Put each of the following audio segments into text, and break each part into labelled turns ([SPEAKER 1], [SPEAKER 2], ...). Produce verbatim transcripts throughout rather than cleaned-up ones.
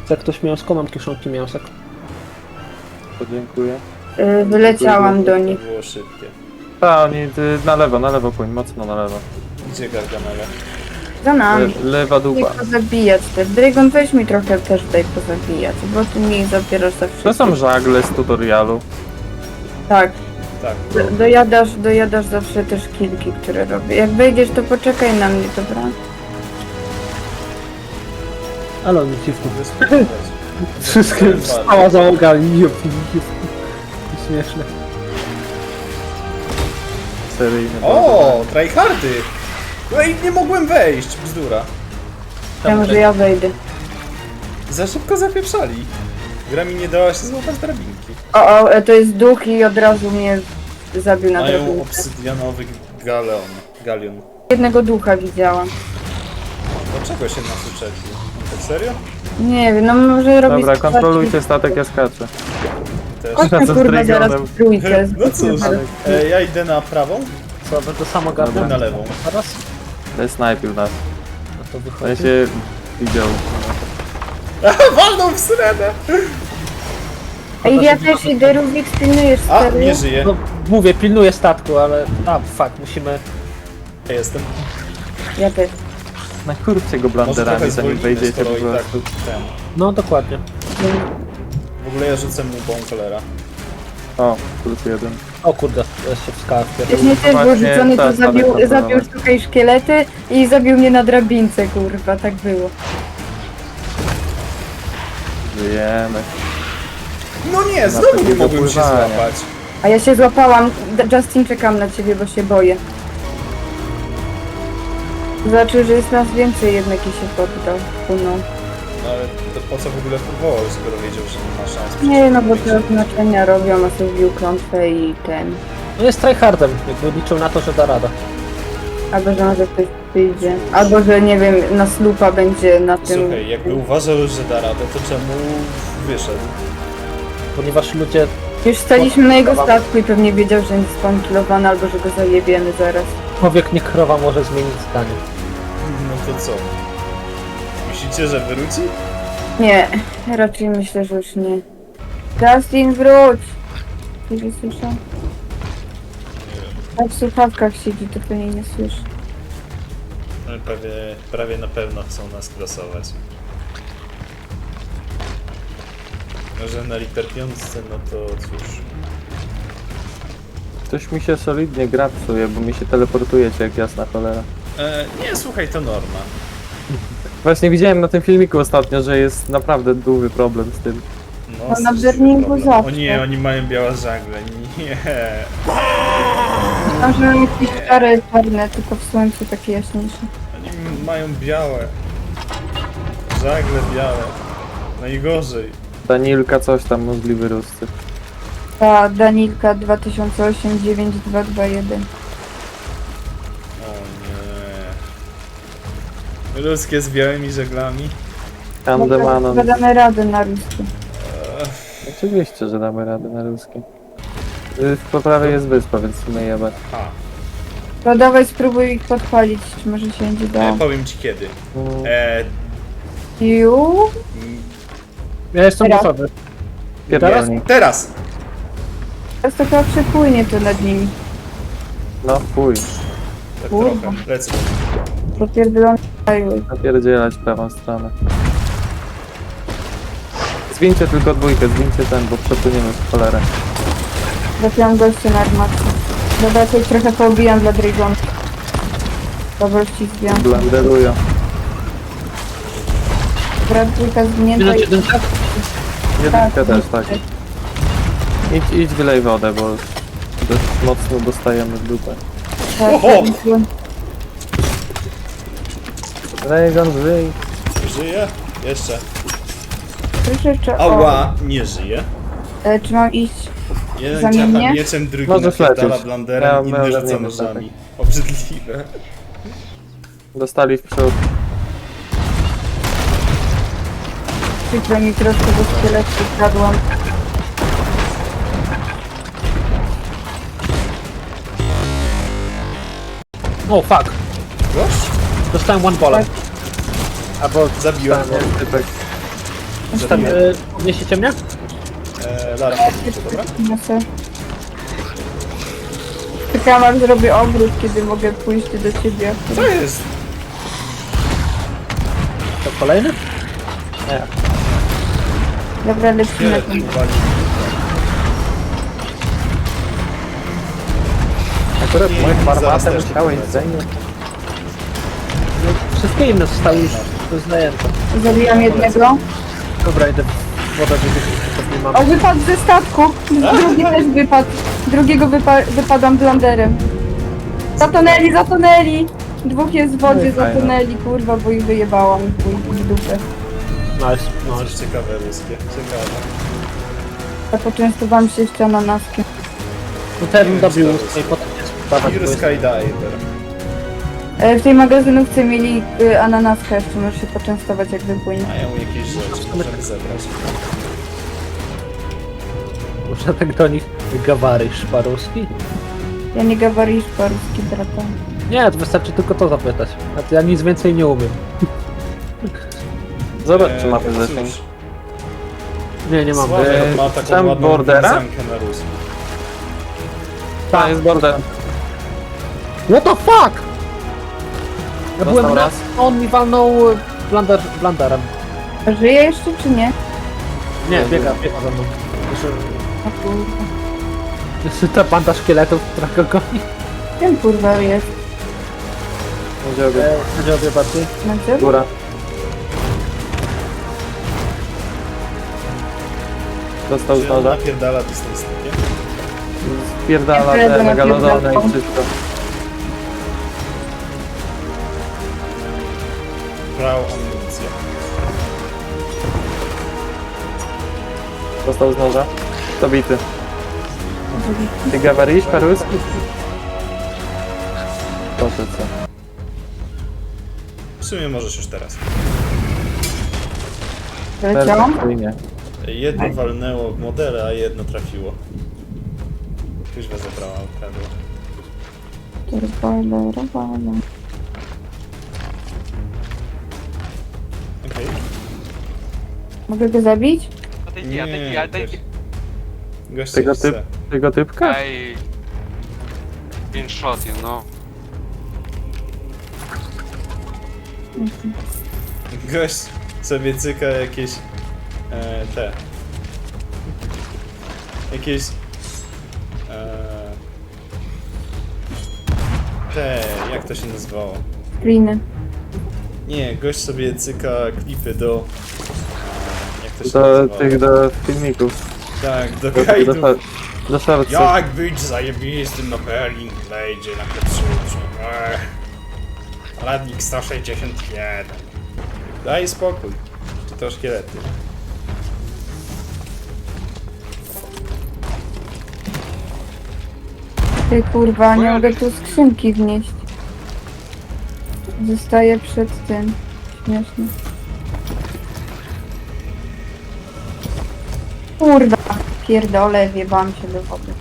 [SPEAKER 1] Jak ktoś miał z komand kieszonki mięsek.
[SPEAKER 2] Podziękuję.
[SPEAKER 3] Yy, wyleciałam do
[SPEAKER 4] To
[SPEAKER 3] nich.
[SPEAKER 4] było szybkie.
[SPEAKER 2] A, oni ty, na lewo, na lewo płyń, mocno na lewo.
[SPEAKER 4] Gdzie Gargamela?
[SPEAKER 3] Za
[SPEAKER 2] Le,
[SPEAKER 3] nami.
[SPEAKER 2] lewa
[SPEAKER 3] Daj
[SPEAKER 2] dupa.
[SPEAKER 3] pozabijać też. Dragon, weź mi trochę też daj pozabijać, bo ty mi zabierasz za
[SPEAKER 2] To
[SPEAKER 3] wszystko.
[SPEAKER 2] są żagle z tutorialu.
[SPEAKER 3] Tak.
[SPEAKER 4] Tak.
[SPEAKER 3] Do, dojadasz, dojadasz zawsze też kilki, które robię. Jak wejdziesz, to poczekaj na mnie, dobra?
[SPEAKER 1] Ale on dziwny.
[SPEAKER 4] Wyspowiadać.
[SPEAKER 1] Wszystkie wstała załoga i jup, jup. Śmieszne.
[SPEAKER 2] Seryjny.
[SPEAKER 4] O, tryhardy! No i nie mogłem wejść, bzdura.
[SPEAKER 3] Ja może ja wejdę.
[SPEAKER 4] Za szybko zapieprzali. Gra mi nie dała się złapać drabinki.
[SPEAKER 3] O, o, e, to jest duch i od razu mnie zabił na
[SPEAKER 4] Mają
[SPEAKER 3] drabinkę.
[SPEAKER 4] obsydianowy galeon. Galion.
[SPEAKER 3] Jednego ducha widziałam.
[SPEAKER 4] Dlaczego się nas uczepił? Tak serio?
[SPEAKER 3] Nie wiem, no może robić...
[SPEAKER 2] Dobra, kontrolujcie statek, ja skaczę.
[SPEAKER 4] Też.
[SPEAKER 3] Chodźmy
[SPEAKER 2] Razem z
[SPEAKER 3] kurwa zaraz
[SPEAKER 2] Dragonem.
[SPEAKER 3] w trójkę.
[SPEAKER 4] No cóż, e, ja idę na prawą,
[SPEAKER 1] Co, wy to samo gardę?
[SPEAKER 4] na lewą.
[SPEAKER 1] Teraz?
[SPEAKER 2] To snajpił nas.
[SPEAKER 1] No to
[SPEAKER 2] Ja
[SPEAKER 1] wychodzi.
[SPEAKER 2] się widział.
[SPEAKER 4] Walną w syrenę!
[SPEAKER 3] Ej, ja też idę, Rubik, pilnujesz
[SPEAKER 4] A,
[SPEAKER 3] serio?
[SPEAKER 4] nie żyje.
[SPEAKER 1] No mówię, pilnuję statku, ale... A, fuck, musimy...
[SPEAKER 4] Ja jestem.
[SPEAKER 3] Ja też.
[SPEAKER 2] Nakurwcie go
[SPEAKER 4] Może trochę
[SPEAKER 2] blanderami, zanim
[SPEAKER 4] zwolnimy,
[SPEAKER 2] wejdziecie
[SPEAKER 4] skoro
[SPEAKER 2] po
[SPEAKER 4] i tak
[SPEAKER 2] prostu.
[SPEAKER 4] ten.
[SPEAKER 1] No dokładnie.
[SPEAKER 4] W ogóle ja rzucę mu bąkolera.
[SPEAKER 2] O, plus jeden.
[SPEAKER 1] O kurde, ja się w skałę wpierdolę.
[SPEAKER 3] Wcześniej też był
[SPEAKER 2] Właśnie
[SPEAKER 3] rzucony, to
[SPEAKER 2] tak,
[SPEAKER 3] zabił,
[SPEAKER 2] tak, tak,
[SPEAKER 3] zabił
[SPEAKER 2] tak.
[SPEAKER 3] tutaj szkielety i zabił mnie na drabince, kurwa, tak było.
[SPEAKER 2] Żyjemy.
[SPEAKER 4] No nie, znowu nie
[SPEAKER 2] takiego
[SPEAKER 4] mogłem się
[SPEAKER 2] pływania.
[SPEAKER 4] złapać.
[SPEAKER 3] A ja się złapałam. D- Justin, czekam na ciebie, bo się boję. Znaczy, że jest nas więcej jednak i się poddał. No.
[SPEAKER 4] No ale to po co w ogóle próbował, skoro wiedział, że nie ma szans?
[SPEAKER 3] Nie, no bo te oznaczenia robią, a sobie wbił klątwę i ten.
[SPEAKER 1] No jest tryhardem, jakby liczył na to, że da radę.
[SPEAKER 3] Albo, że może ktoś przyjdzie. Albo, że nie wiem, na slupa będzie na tym...
[SPEAKER 4] Słuchaj, jakby uważał, że da radę, to czemu wyszedł?
[SPEAKER 1] Ponieważ ludzie...
[SPEAKER 3] Już staliśmy na jego statku i pewnie wiedział, że jest spankilowany, albo że go zajebiemy zaraz.
[SPEAKER 1] Człowiek nie krowa może zmienić zdanie.
[SPEAKER 4] No to co? Myślicie, że wróci?
[SPEAKER 3] Nie, raczej myślę, że już nie. Justin, wróć! Nie słyszę? Tak w słuchawkach siedzi, to pewnie nie słyszy.
[SPEAKER 4] Ale prawie, prawie na pewno chcą nas klasować. Może na Reaper piątce, no to cóż.
[SPEAKER 2] Ktoś mi się solidnie gra psuje, bo mi się teleportujecie jak jasna cholera.
[SPEAKER 4] E, nie, słuchaj, to norma.
[SPEAKER 2] Właśnie widziałem na tym filmiku ostatnio, że jest naprawdę duży problem z tym.
[SPEAKER 4] No,
[SPEAKER 3] No, na
[SPEAKER 4] straszny
[SPEAKER 3] Berlinku
[SPEAKER 4] problem.
[SPEAKER 3] zawsze.
[SPEAKER 4] O nie, oni mają białe żagle, nie.
[SPEAKER 3] Może jakieś szare, czarne, tylko w słońcu takie jaśniejsze.
[SPEAKER 4] Oni mają białe. Żagle białe. Najgorzej.
[SPEAKER 2] Danilka coś tam, możliwy ruscy.
[SPEAKER 3] Ta Danilka dwa tysiące osiem dziewięć dwa dwa jeden.
[SPEAKER 4] O nie. Ludzkie z białymi żaglami.
[SPEAKER 2] Andemanon.
[SPEAKER 3] Badamy radę na ruskie.
[SPEAKER 2] Oczywiście, że damy radę na ruskie. Y, Po prawej jest wyspa, więc my jebać.
[SPEAKER 4] Ha.
[SPEAKER 3] To dawaj spróbuj ich podpalić, czy może się będzie
[SPEAKER 4] E,
[SPEAKER 3] dało.
[SPEAKER 4] powiem ci kiedy.
[SPEAKER 2] Mm,
[SPEAKER 4] E,
[SPEAKER 3] Ju?
[SPEAKER 4] m,
[SPEAKER 1] Ja jestem
[SPEAKER 3] Teraz?
[SPEAKER 1] gotowy.
[SPEAKER 2] Pierdolnik.
[SPEAKER 4] teraz!
[SPEAKER 3] Teraz to chyba przepłynie to nad nimi.
[SPEAKER 2] No chuj,
[SPEAKER 4] Tak
[SPEAKER 3] Kurwa.
[SPEAKER 4] trochę. Lecę.
[SPEAKER 3] Popierdolony kraju.
[SPEAKER 2] napierdzielać prawą stronę. Zwincie tylko dwójkę, zwincie ten, bo przepłyniemy w cholerę.
[SPEAKER 3] Trafiłam gościa na armacie. Dobra, coś trochę poobijam dla Dragona. Dobra, ściskam.
[SPEAKER 2] Blenderują.
[SPEAKER 3] Brat dwójka zwinięta
[SPEAKER 1] Minut
[SPEAKER 3] i...
[SPEAKER 1] jeden tak?
[SPEAKER 2] Jedynkę też, tak. Idź, idź wylej wodę, bo dość mocno dostajemy w dupę.
[SPEAKER 3] Tak,
[SPEAKER 4] Oho!
[SPEAKER 3] tak.
[SPEAKER 2] Reagan, wyj.
[SPEAKER 4] Żyje? Jeszcze.
[SPEAKER 3] Słyszę, czy... o,
[SPEAKER 4] Ała! Nie żyje.
[SPEAKER 3] e, Czy mam iść?
[SPEAKER 4] Jeden
[SPEAKER 3] Zamienię?
[SPEAKER 4] ciacha mieczem, drugi
[SPEAKER 2] Możesz
[SPEAKER 4] napierdala
[SPEAKER 2] lecieć.
[SPEAKER 4] blanderem,
[SPEAKER 2] Ja
[SPEAKER 4] inny
[SPEAKER 2] miałem
[SPEAKER 4] rzuca
[SPEAKER 2] zamienię,
[SPEAKER 4] nożami. Obrzydliwe.
[SPEAKER 2] Dostali w przód.
[SPEAKER 3] Przykro mi troszkę do szkieletu wpadłam.
[SPEAKER 1] O fuck.
[SPEAKER 4] Gość?
[SPEAKER 1] Dostałem one ballem. Albo...
[SPEAKER 4] Zabiłem go.
[SPEAKER 2] Typek.
[SPEAKER 1] Tam,
[SPEAKER 4] Zabiję.
[SPEAKER 1] e, podniesiecie mnie?
[SPEAKER 4] E, Lara, podniesie, dobra?
[SPEAKER 3] Niosę. Czekam aż zrobię obrót, kiedy mogę pójść do ciebie.
[SPEAKER 4] Co jest?
[SPEAKER 1] To kolejny?
[SPEAKER 3] Dobra, lecimy.
[SPEAKER 4] Szkielet mi wali.
[SPEAKER 2] Akurat
[SPEAKER 4] Nie,
[SPEAKER 2] moje
[SPEAKER 4] zaraz
[SPEAKER 2] farmatem
[SPEAKER 4] też
[SPEAKER 2] musiałeś
[SPEAKER 4] polecę.
[SPEAKER 2] zajmować.
[SPEAKER 1] No, wszystkie inne zostały już zajęte.
[SPEAKER 3] Zabijam jednego.
[SPEAKER 1] Dobra, idę w wodę, żeby nie mam.
[SPEAKER 3] O, wypadł ze statku. Drugi też wypadł. Drugiego wypa wypadam blanderem. Zatonęli, zatonęli! Dwóch jest w wodzie,
[SPEAKER 2] Ej, fajne.
[SPEAKER 3] zatonęli, kurwa, bo ich wyjebałam w chuj, w dupę.
[SPEAKER 1] Nice,
[SPEAKER 4] Coś
[SPEAKER 1] nice.
[SPEAKER 4] ciekawe ruskie, ciekawe.
[SPEAKER 3] A poczęstowałam się jeszcze ananaskiem.
[SPEAKER 1] No ten
[SPEAKER 4] Nie wiem,
[SPEAKER 1] dobił
[SPEAKER 4] czy to jest-
[SPEAKER 1] i potem jest dawać,
[SPEAKER 4] Pure
[SPEAKER 1] bo jest...
[SPEAKER 4] Skydiver.
[SPEAKER 3] E, W tej magazynówce mieli y, ananaska jeszcze, możesz się poczęstować jak wypłynie.
[SPEAKER 4] Mają jakieś rzeczy, możemy zebrać.
[SPEAKER 1] Muszę tak do nich gawary szparuski?
[SPEAKER 3] Ja nie gawarisz paruski brata.
[SPEAKER 1] Nie, to wystarczy tylko to zapytać. A to ja nic więcej nie umiem.
[SPEAKER 2] Zobacz, czy
[SPEAKER 4] E,
[SPEAKER 2] mamy
[SPEAKER 4] cóż,
[SPEAKER 2] zasięg.
[SPEAKER 1] Nie, nie mam.
[SPEAKER 4] Sławek
[SPEAKER 2] E,
[SPEAKER 4] ma taką
[SPEAKER 2] tam
[SPEAKER 4] ładną
[SPEAKER 2] bordera?
[SPEAKER 4] wiązankę na ruskim.
[SPEAKER 2] Tak, jest border.
[SPEAKER 1] What the fuck? Ja
[SPEAKER 2] Dostał
[SPEAKER 1] byłem na...
[SPEAKER 2] raz.
[SPEAKER 1] On mi walnął e, blander, blanderem.
[SPEAKER 3] A żyje jeszcze czy nie?
[SPEAKER 1] Nie, biega, biega za mną. Jeszcze,
[SPEAKER 3] O kurwa.
[SPEAKER 1] jeszcze ta banda szkieletów, która go goni.
[SPEAKER 3] Ten kurwa jest.
[SPEAKER 2] Będzie obie.
[SPEAKER 1] E, Będzie obie bardziej.
[SPEAKER 3] Macie?
[SPEAKER 2] Góra. Dostał z
[SPEAKER 4] Czy on
[SPEAKER 2] noża.
[SPEAKER 4] napierdala dystanstkiem?
[SPEAKER 2] Spierdala
[SPEAKER 3] Ja
[SPEAKER 2] te
[SPEAKER 3] będę
[SPEAKER 2] megalodony i
[SPEAKER 3] napierdalał.
[SPEAKER 2] wszystko.
[SPEAKER 4] Brał amunicję.
[SPEAKER 2] Dostał z noża. To bity. Ty gawarisz paruski? Proszę co.
[SPEAKER 4] W sumie możesz już teraz.
[SPEAKER 3] Leciałam?
[SPEAKER 2] Perfekcyjnie.
[SPEAKER 4] Jedno walnęło w modele, a jedno trafiło. Kuźwa zabrała, ukradła.
[SPEAKER 3] Robale, robale.
[SPEAKER 4] Okej.
[SPEAKER 3] Mogę go zabić?
[SPEAKER 5] Отойди, отойди, отойди.
[SPEAKER 4] Gość
[SPEAKER 2] Tego,
[SPEAKER 4] coś
[SPEAKER 2] typ,
[SPEAKER 4] chce.
[SPEAKER 2] tego typka?
[SPEAKER 5] Ай. Иншот, you know.
[SPEAKER 4] Gość sobie cyka jakieś e, te jakieś e, te, jak to się nazywało?
[SPEAKER 3] Screeny.
[SPEAKER 4] Nie, gość sobie cyka klipy do e, jak to się
[SPEAKER 2] Do
[SPEAKER 4] nazywało?
[SPEAKER 2] tych, do filmików.
[SPEAKER 4] Tak, do
[SPEAKER 2] Do, do,
[SPEAKER 4] gajdów.
[SPEAKER 2] do, do shortsów.
[SPEAKER 4] Jak być zajebistym na Perling Blade na Ketsuchu? Radnik sto sześćdziesiąt jeden. Daj spokój. Czy to szkielety?
[SPEAKER 3] Ty kurwa, nie mogę tu skrzynki wnieść. Zostaję przed tym. Śmieszne. Kurwa, pierdolę, wjebałam się do wody.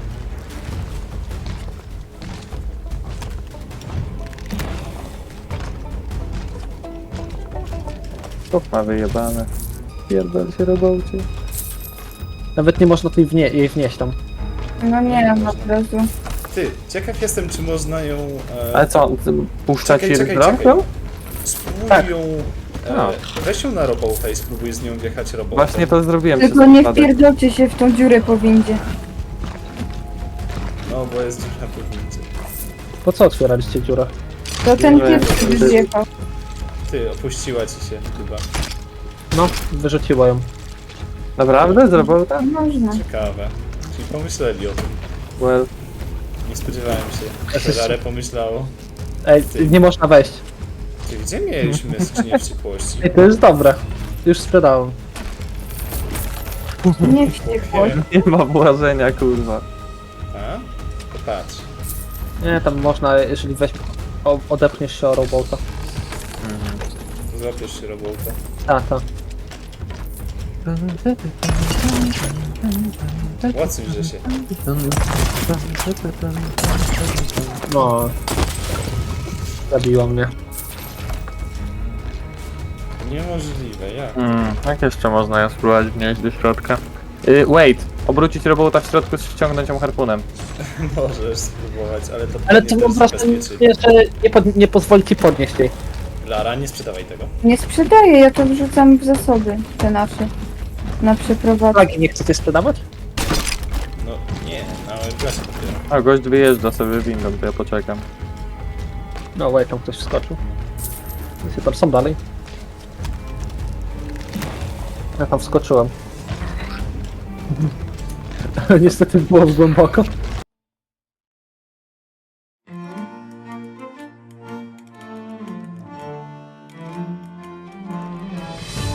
[SPEAKER 2] Stop ma wyjebane. Pierdol się robocie.
[SPEAKER 1] Nawet nie można tej wnie jej wnieść tam.
[SPEAKER 3] No nie, od razu.
[SPEAKER 4] Ty, ciekaw jestem, czy można ją... E,
[SPEAKER 2] Ale co, ty puszcza
[SPEAKER 4] Czekaj,
[SPEAKER 2] ci
[SPEAKER 4] czekaj,
[SPEAKER 2] rąk?
[SPEAKER 4] czekaj. Spróbuj
[SPEAKER 2] tak.
[SPEAKER 4] ją...
[SPEAKER 2] A.
[SPEAKER 4] E, weź ją na robota i spróbuj z nią wjechać robota.
[SPEAKER 2] Właśnie to zrobiłem.
[SPEAKER 3] Tylko
[SPEAKER 2] przez
[SPEAKER 3] nie
[SPEAKER 2] przypadek.
[SPEAKER 3] wpierdolcie się w tą dziurę po windzie.
[SPEAKER 4] No, bo jest dziwna powinnicy.
[SPEAKER 1] Po co otwieraliście dziurę?
[SPEAKER 3] To ten
[SPEAKER 2] Nie,
[SPEAKER 3] pierwszy
[SPEAKER 2] to-
[SPEAKER 3] zjechał.
[SPEAKER 4] Ty, opuściła ci się chyba.
[SPEAKER 1] No, wyrzuciło ją.
[SPEAKER 2] Naprawdę? Zrobił tak?
[SPEAKER 3] Można.
[SPEAKER 4] Ciekawe. Czyli pomyśleli o tym.
[SPEAKER 2] Well.
[SPEAKER 4] Nie spodziewałem się,
[SPEAKER 1] Jesteś-
[SPEAKER 4] że Rare pomyślało.
[SPEAKER 1] Ej, nie można wejść.
[SPEAKER 4] Ty, gdzie mieliśmy skrzynię wściekłości?
[SPEAKER 1] Ej, to jest dobre. Już sprzedałem.
[SPEAKER 3] Nie wściekłość.
[SPEAKER 2] Nie ma błażenia, kurwa.
[SPEAKER 4] A? To patrz.
[SPEAKER 1] Nie, tam można, jeżeli weź... O, odepchniesz się o robota.
[SPEAKER 4] Złapiesz się robota.
[SPEAKER 1] A, tak.
[SPEAKER 4] Łacuj, że się.
[SPEAKER 1] No. Zabiło mnie.
[SPEAKER 4] Niemożliwe, jak?
[SPEAKER 2] Mm, jak jeszcze można ją spróbować wnieść do środka? Y, wait, obrócić robota w środku, ściągnąć ją harpunem.
[SPEAKER 4] Możesz spróbować, ale to
[SPEAKER 1] Ale
[SPEAKER 4] pewnie
[SPEAKER 1] to
[SPEAKER 4] też
[SPEAKER 1] mam wrażenie,
[SPEAKER 4] zabezpieczy.
[SPEAKER 1] że nie, pod, nie pozwoli ci podnieść jej.
[SPEAKER 4] Lara, nie sprzedawaj tego.
[SPEAKER 3] Nie sprzedaję, ja to wrzucam w zasoby, te nasze. Na przeprowadzkę.
[SPEAKER 1] Flagi nie chcecie sprzedawać?
[SPEAKER 4] No nie, na klasie dopiero.
[SPEAKER 2] A gość wyjeżdża sobie windą, to ja poczekam.
[SPEAKER 1] No, wait, tam ktoś wskoczył. Się tam są dalej. Ja tam wskoczyłem. Ale niestety było głęboko.